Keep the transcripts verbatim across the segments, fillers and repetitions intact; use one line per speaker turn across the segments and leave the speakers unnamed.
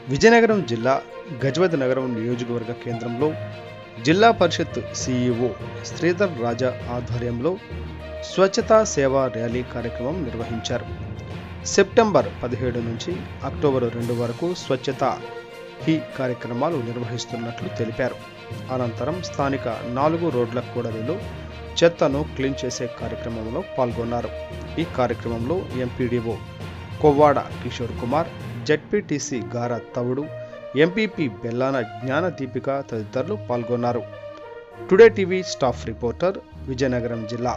విజయనగరం జిల్లా గజపతి నగరం నియోజకవర్గ కేంద్రంలో జిల్లా పరిషత్ సిఇఓ శ్రీధర్ రాజా ఆధ్వర్యంలో స్వచ్ఛతా సేవా ర్యాలీ కార్యక్రమం నిర్వహించారు. సెప్టెంబర్ పదిహేడు నుంచి అక్టోబర్ రెండు వరకు స్వచ్ఛతా హీ కార్యక్రమాలు నిర్వహిస్తున్నట్లు తెలిపారు. అనంతరం స్థానిక నాలుగు రోడ్ల కూడలిలో చెత్తను క్లీన్ చేసే కార్యక్రమంలో పాల్గొన్నారు. ఈ కార్యక్రమంలో MPDO Kovvada Kishore Kumar, ZPTC Gara Tavudu, MPP Bellana Gnana Deepika తదితరులు పాల్గొన్నారు. Today TV staff reporter, Vizianagaram జిల్లా.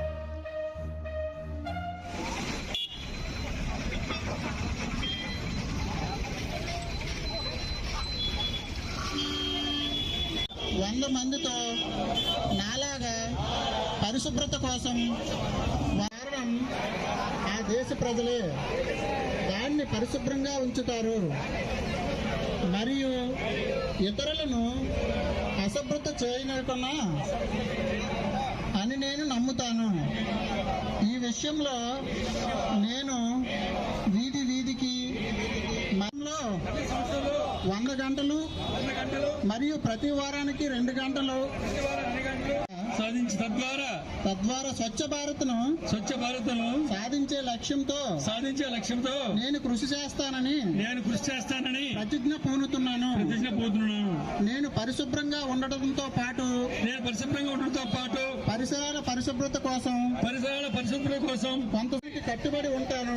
వంద మందితో నాలాగా పరిశుభ్రత కోసం వాడడం ఆ దేశ ప్రజలే దాన్ని పరిశుభ్రంగా ఉంచుతారు మరియు ఇతరులను అశుభ్రత చేయనకున్నా అని నేను నమ్ముతాను. ఈ విషయంలో నేను వీధి వీధికి మనలో వంద గంటలు మరియు ప్రతి వారానికి రెండు గంటలు
సాధించి తద్వారా
తద్వారా స్వచ్ఛ భారత్ను
స్వచ్ఛ భారత్ను
సాధించే లక్ష్యంతో
సాధించే లక్ష్యంతో
నేను కృషి చేస్తానని
నేను కృషి చేస్తానని
ప్రతిజ్ఞ పూనుతున్నాను.
ప్రతిజ్ఞ పూనుతున్నాను.
నేను పరిశుభ్రంగా ఉండటంతో పాటు
నేను పరిశుభ్రంగా ఉండటంతో పాటు
పరిసరాల పరిశుభ్రత కోసం
పరిసరాల పరిశుభ్రత కోసం
కొంతమందికి కట్టుబడి ఉంటాను.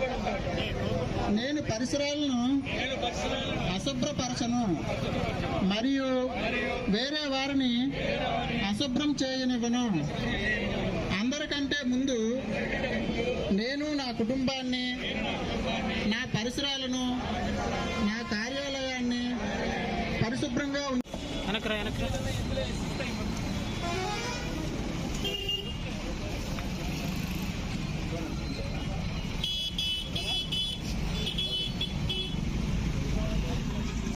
నేను పరిసరాలను అశుభ్రపరచను మరియు వేరే వారిని అశుభ్రం చేయనివ్వను. అందరికంటే ముందు నేను నా కుటుంబాన్ని, నా పరిసరాలను, నా కార్యాలయాన్ని పరిశుభ్రంగా